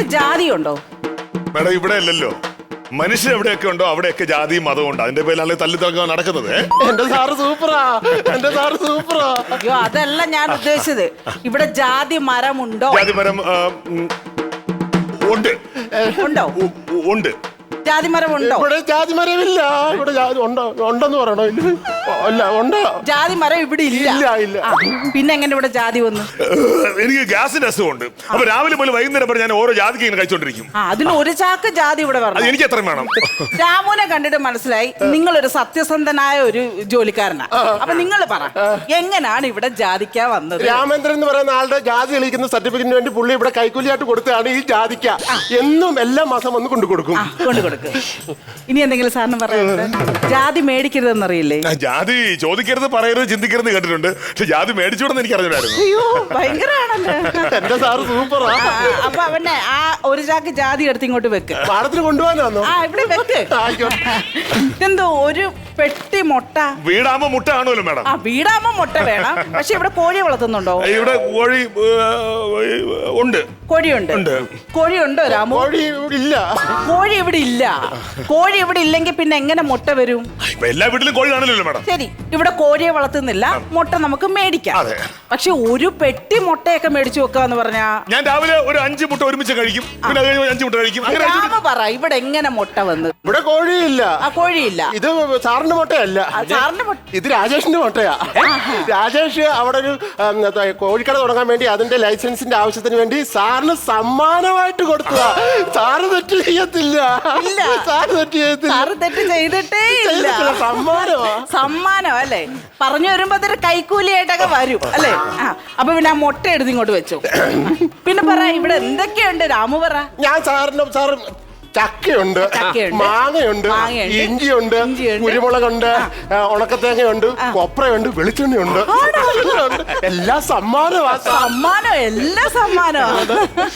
ജാതി ഉണ്ടോ? മേഡം ഇവിടെ അല്ലല്ലോ, മനുഷ്യൻ എവിടെയൊക്കെ ഉണ്ടോ അവിടെയൊക്കെ ജാതിയും മതവും ഉണ്ട്. അതിന്റെ പേരിലാണ് തല്ലിത്തറങ്ങാൻ നടക്കുന്നത്. എന്റെ സാറ് സൂപ്പറാ, എന്റെ സാറ് സൂപ്പറാ. അയ്യോ അതല്ല ഞാൻ ഉദ്ദേശിച്ചത്, ഇവിടെ ജാതി മരമുണ്ടോ? ജാതി മരം ഉണ്ട്. ഉണ്ടോ? ഉണ്ട്. ജാതി മരം ഉണ്ടോ? ഇവിടെ ജാതി മരമില്ല. ഇവിടെ ജാതി ഉണ്ടോ? ഉണ്ടെന്ന് പറയണോ? അല്ല ഉണ്ടോ? ജാതി മരം ഇവിടെ ഇല്ല. ഇല്ല. ആ, പിന്നെ എങ്ങനെ ഇവിടെ ജാതി വന്നു? എനിക്ക് ഗ്യാസിന്റെ അസുഖമുണ്ട്. അപ്പൊ രാവിലെ മുതൽ വൈകുന്നേരം വരെ ഞാൻ ഓരോ ജാതിക്ക് ഇങ്ങനെ കഴിച്ചോണ്ടിരിക്കും. അതിന് ഒരു ചാക്ക് ജാതി ഇവിടെ അത് പറഞ്ഞു. എനിക്ക് എത്രയും വേണം. രാമുനെ കണ്ടിട്ട് മനസ്സിലായി നിങ്ങളൊരു സത്യസന്ധനായ ഒരു ജോലിക്കാരനാ. അപ്പൊ നിങ്ങൾ പറ, എങ്ങനെയാണ് ഇവിടെ ജാതിക്ക വന്നത്? രാമേന്ദ്രൻ എന്ന് പറയുന്ന ആളുടെ ജാതി കളിക്കുന്ന സർട്ടിഫിക്കറ്റിന് വേണ്ടി പുള്ളി ഇവിടെ കൈക്കൂലിയായിട്ട് കൊടുത്തതാണ് ഈ ജാതിക്ക. എന്നും എല്ലാ മാസം വന്ന് കൊണ്ടു കൊടുക്കും. ഇനി എന്തെങ്കിലും സാറിന് പറയാനുണ്ട്? ജാതി മേടിക്കരുതെന്നറിയില്ലേ? ജാതി ചോദിക്കരുത്, പറയരുത്, ചിന്തിക്കരുത് കേട്ടിട്ടുണ്ട്. പക്ഷെ ജാതി മേടിച്ചോടെന്ന് എനിക്ക് അറിഞ്ഞായിരുന്നു. അയ്യോ ഭയങ്കരാണല്ലോ. എന്റെ സാറ് സൂപ്പറാ. അപ്പൊ അവനെ ആ ഒരു ചാക്ക് ജാതി എടുത്ത് ഇങ്ങോട്ട് വെക്ക്. പാടത്തിന് കൊണ്ടുപോകാനാണോ? ആ ഇവിടെ വെക്ക്. എന്തോ ഒരു പെട്ടി മുട്ട. വീടാകുമ്പോ മുട്ട കാണുമല്ലോ മേഡം. ആ വീടാകുമ്പോ മുട്ട വേണം. പക്ഷെ ഇവിടെ കോഴി വളർത്തുന്നുണ്ടോ? ഇവിടെ കോഴി ഉണ്ട്. കോഴിയുണ്ട്. കോഴിയുണ്ടോ രാമു? കോഴി ഇവിടെ ഇല്ല. കോഴി ഇവിടെ ഇല്ല. കോഴി ഇവിടെ ഇല്ലെങ്കിൽ പിന്നെ എങ്ങനെ മുട്ട വരും? എല്ലാ വീട്ടിലും കോഴി കാണില്ലല്ലോ മേഡം. ശരി, ഇവിടെ കോഴിയെ വളർത്തുന്നില്ല, മുട്ട നമുക്ക് മേടിക്കാം. പക്ഷെ ഒരു പെട്ടി മുട്ടയൊക്കെ മേടിച്ചു വെക്കാന്ന് പറഞ്ഞാ ഞാൻ രാവിലെ ഒരു 5 മുട്ട ഒരുമിച്ച് കഴിക്കും, പിന്നെ 5 മുട്ട കഴിക്കും. രാമ പറ, ഇവിടെ എങ്ങനെ മുട്ട വന്ന്? ഇവിടെ കോഴിയില്ല. ആ കോഴിയില്ല. ഇത് സാറിന്റെ മുട്ടയല്ല, സാറിന്റെ മുട്ട. ഇത് രാജേഷിന്റെ മുട്ടയാ. രാജേഷ് അവിടെ ഒരു കോഴിക്കട തുടങ്ങാൻ വേണ്ടി അതിന്റെ ലൈസൻസിന്റെ ആവശ്യത്തിന് വേണ്ടി സാറിന് സമ്മാനമായിട്ട് കൊടുത്തതാ. സാറ് തെറ്റ് ചെയ്യത്തില്ല. സാറ് തെറ്റ് ചെയ്യത്തില്ല. സാറ് തെറ്റ് ചെയ്തിട്ടേ ഇല്ല. സമ്മാനം അല്ലേ? പറഞ്ഞു വരുമ്പോ അതൊരു കൈക്കൂലിയായിട്ടൊക്കെ വരും അല്ലേ? അപ്പൊ പിന്നെ ആ മുട്ട എടുത്ത് ഇങ്ങോട്ട് വെച്ചു. പിന്നെ പറ, ഇവിടെ എന്തൊക്കെയുണ്ട് രാമു പറ. ഞാൻ സാറ് ചക്കയുണ്ട്, മാങ്ങയുണ്ട്, ഇഞ്ചിയുണ്ട്, കുരുമുളകുണ്ട്, ഉണക്കത്തേങ്ങയുണ്ട്, കൊപ്രയുണ്ട്, വെളിച്ചെണ്ണയുണ്ട്. എല്ലാം സമ്മാനമാ. സമ്മാനം, എല്ലാ സമ്മാനമാണ്.